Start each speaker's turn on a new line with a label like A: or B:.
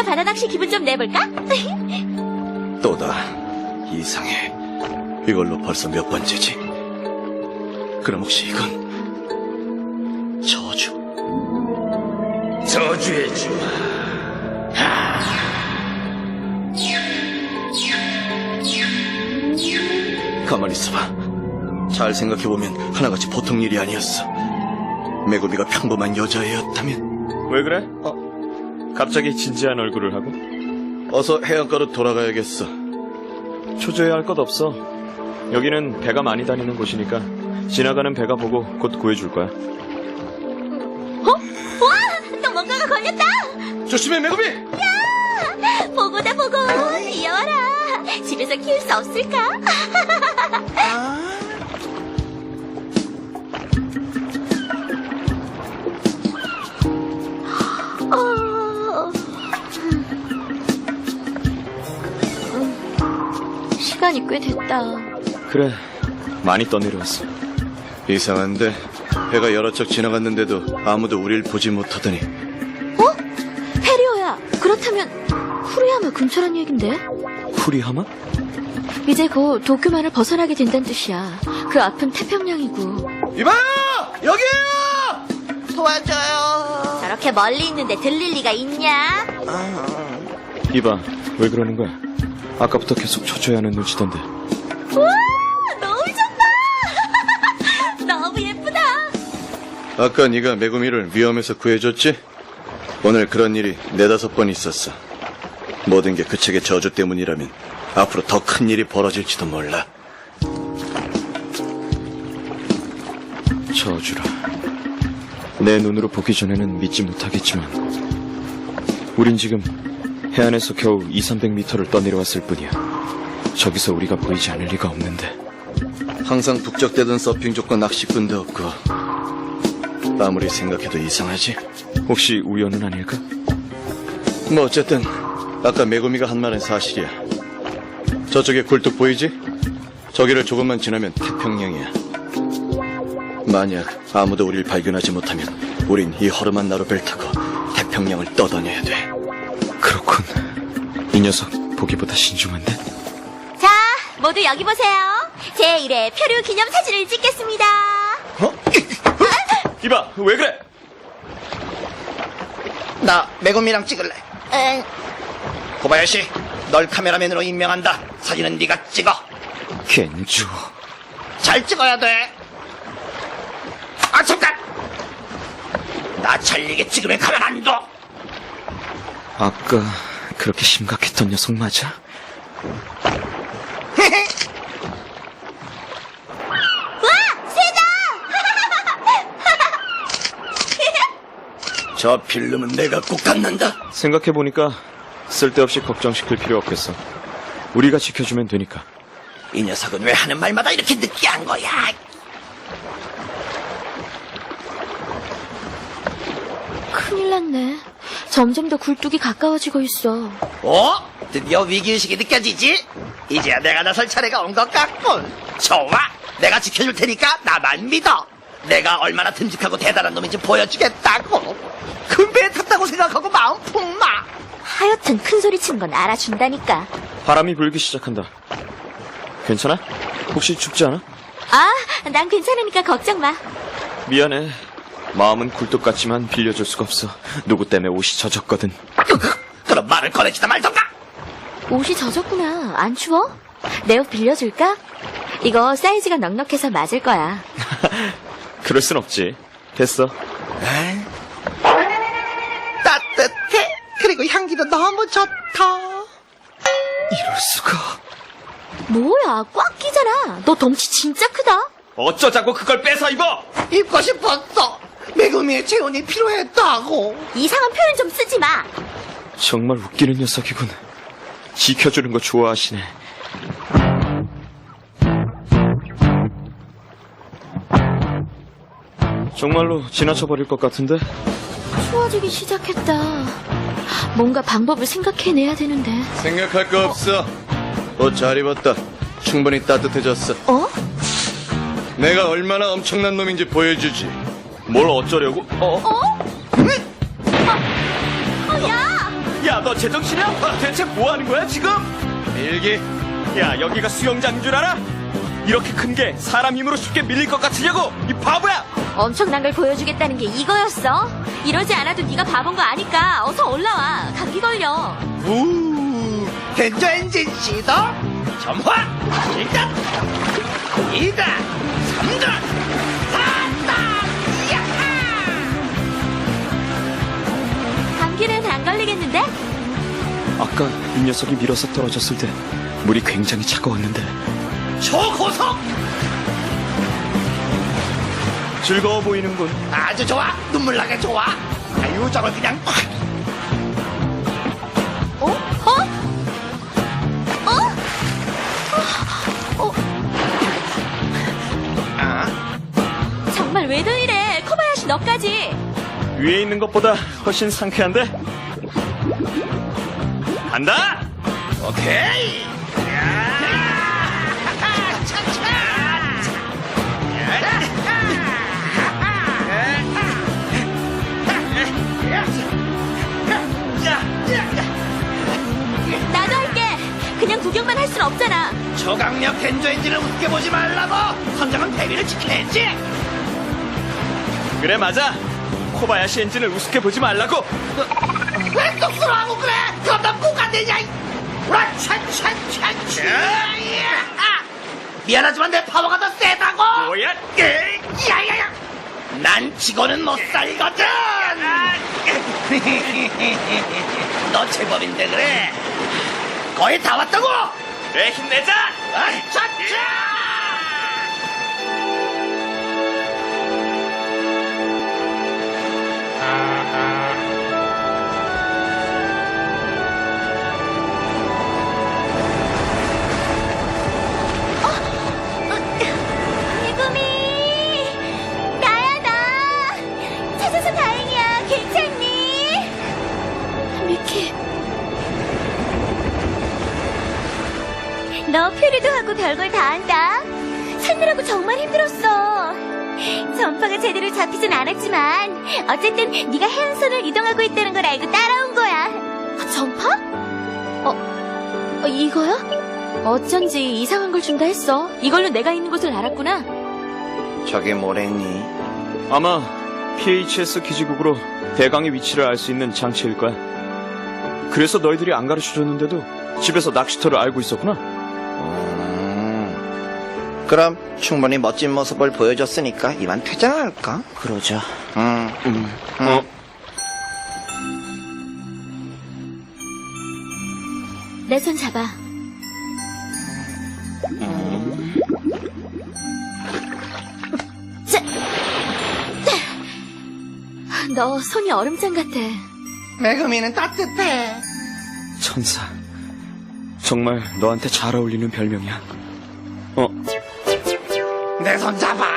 A: 바다낚시 기분 좀 내볼까?
B: 또다. 이상해. 이걸로 벌써 몇 번째지? 그럼 혹시 이건 저주?
C: 저주의 주.
B: 가만히 있어봐. 잘 생각해보면 하나같이 보통 일이 아니었어. 메구미가 평범한 여자애였다면.
C: 왜 그래? 갑자기 진지한 얼굴을 하고?
B: 어서 해안가로 돌아가야겠어.
C: 초조해할 것 없어. 여기는 배가 많이 다니는 곳이니까 지나가는 배가 보고 곧 구해줄 거야.
A: 와! 또 뭔가가 걸렸다!
B: 조심해, 메구미!
A: 보고다, 보고! 귀여워라! 집에서 키울 수 없을까? 시간이 꽤 됐다.
C: 그래, 많이 떠내려왔어.
B: 이상한데 배가 여러 척 지나갔는데도 아무도 우릴 보지 못하더니.
A: 페리오야, 그렇다면 후리야마 근처란 얘긴데?
C: 후리하마?
A: 이제 곧 도쿄만을 벗어나게 된다는 뜻이야. 그 앞은 태평양이고.
B: 이봐요! 여기에요! 도와줘요.
A: 저렇게 멀리 있는데 들릴 리가 있냐?
C: 이봐, 왜 그러는 거야? 아까부터 계속 초조해하는 눈치던데.
A: 우와! 너무 좋다! 너무 예쁘다!
B: 아까 네가 메구미를 위험에서 구해줬지? 오늘 그런 일이 4-5번 있었어. 모든 게 그 책의 저주 때문이라면 앞으로 더 큰 일이 벌어질지도 몰라.
C: 저주라. 내 눈으로 보기 전에는 믿지 못하겠지만 우린 지금 해안에서 겨우 200~300m를 떠내려왔을 뿐이야. 저기서 우리가 보이지 않을 리가 없는데.
B: 항상 북적대던 서핑족과 낚시꾼도 없고 아무리 생각해도 이상하지?
C: 혹시 우연은 아닐까?
B: 뭐 어쨌든 아까 메구미가 한 말은 사실이야. 저쪽에 굴뚝 보이지? 저기를 조금만 지나면 태평양이야. 만약 아무도 우릴 발견하지 못하면 우린 이 허름한 나루배를 타고 태평양을 떠다녀야 돼.
C: 그렇군. 이 녀석 보기보다 신중한데?
A: 자, 모두 여기 보세요. 제1회 표류 기념 사진을 찍겠습니다.
C: 이봐, 왜 그래?
D: 나 메구미랑 찍을래.
A: 응.
D: 고바야시, 널 카메라맨으로 임명한다. 사진은 네가 찍어.
C: 겐주.
D: 잘 찍어야 돼. 아, 잠깐! 나 잘리게 찍으면 가만 안 둬.
C: 아까 그렇게 심각했던 녀석 맞아?
A: 와! 새다!
B: 저 필름은 내가 꼭 갖는다.
C: 생각해보니까 쓸데없이 걱정시킬 필요 없겠어. 우리가 지켜주면 되니까.
D: 이 녀석은 왜 하는 말마다 이렇게 느끼한 거야?
A: 큰일 났네. 점점 더 굴뚝이 가까워지고 있어.
D: 드디어 위기의식이 느껴지지? 이제야 내가 나설 차례가 온 것 같군. 좋아, 내가 지켜줄 테니까 나만 믿어. 내가 얼마나 듬직하고 대단한 놈인지 보여주겠다고. 큰 배에 탔다고 생각하고 마음 푹 마.
A: 하여튼 큰 소리 치는 건 알아준다니까.
C: 바람이 불기 시작한다. 괜찮아? 혹시 춥지 않아?
A: 아, 난 괜찮으니까 걱정 마.
C: 미안해. 마음은 굴뚝 같지만 빌려줄 수가 없어. 누구 때문에 옷이 젖었거든.
D: 그럼 말을 꺼내지다 말던가.
A: 옷이 젖었구나. 안 추워? 내 옷 빌려줄까? 이거 사이즈가 넉넉해서 맞을 거야.
C: 그럴 순 없지. 됐어.
D: 따뜻해. 그리고 향기도 너무 좋다.
C: 이럴 수가.
A: 뭐야, 꽉 끼잖아. 너 덩치 진짜 크다.
C: 어쩌자고 그걸 뺏어 입어!
D: 입고 싶었어. 메구미의 재혼이 필요했다고.
A: 이상한 표현 좀 쓰지 마.
C: 정말 웃기는 녀석이군. 지켜주는 거 좋아하시네. 정말로 지나쳐버릴 것 같은데?
A: 추워지기 시작했다. 뭔가 방법을 생각해내야 되는데.
B: 생각할 거 없어. 옷 잘 입었다. 충분히 따뜻해졌어.
A: 어?
B: 내가 얼마나 엄청난 놈인지 보여주지.
C: 뭘 어쩌려고?
A: 야!
C: 야, 너 너 제정신이야? 대체 뭐 하는 거야, 지금?
B: 밀기.
C: 야, 여기가 수영장인 줄 알아? 이렇게 큰 게 사람 힘으로 쉽게 밀릴 것 같으냐고! 이 바보야!
A: 엄청난 걸 보여주겠다는 게 이거였어? 이러지 않아도 네가 바본 거 아니까 어서 올라와. 감기 걸려.
D: 우 겐저 엔진 시도 점화 1단 2단 3단 4단 야하
A: 감기는 안 걸리겠는데?
C: 아까 이 녀석이 밀어서 떨어졌을 때 물이 굉장히 차가웠는데
D: 초고속
C: 즐거워 보이는군.
D: 아주 좋아 눈물 나게 좋아 아유 저걸 그냥 팍
A: 어? 어?
D: 아,
A: 정말 왜들 이래? 코바야시 너까지.
C: 위에 있는 것보다 훨씬 상쾌한데? 간다!
D: 오케이
A: 나도 할게. 그냥 구경만 할 순 없잖아.
D: 초강력 겐저 엔진을 웃게 보지 말라고 선장은 대리를 지켜야지
C: 그래, 맞아. 코바야시 엔진을 우습게 보지 말라고.
D: 왜 쑥스러워하고 그래 그럼 난꼭 안 되냐 와찬찬찬찬 미안하지만 내 파워가 더 세다고
C: 뭐야?
D: 야야야 난 지고는 못 살거든 너 제법인데 그래 거의 다 왔다고
C: 그래, 힘내자!
D: 아차차
A: 메구미! 나야, 나! 찾아서 다행이야. 괜찮니? 미키. 너 표류도 하고 별걸 다 한다. 찾느라고 정말 힘들었어. 전파가 제대로 잡히진 않았지만 어쨌든 네가 해안선을 이동하고 있다는 걸 알고 따라온 거야. 전파? 이거야? 어쩐지 이상한 걸 준다 했어. 이걸로 내가 있는 곳을 알았구나.
D: 저게 뭐랬니?
C: 아마 PHS 기지국으로 대강의 위치를 알 수 있는 장치일 거야. 그래서 너희들이 안 가르쳐줬는데도 집에서 낚시터를 알고 있었구나.
D: 그럼 충분히 멋진 모습을 보여줬으니까 이만 퇴장할까?
B: 그러자.
A: 내 손 잡아. 자, 너 손이 얼음장 같아.
D: 매그미는 따뜻해
C: 천사. 정말 너한테 잘 어울리는 별명이야.
D: 내 손 잡아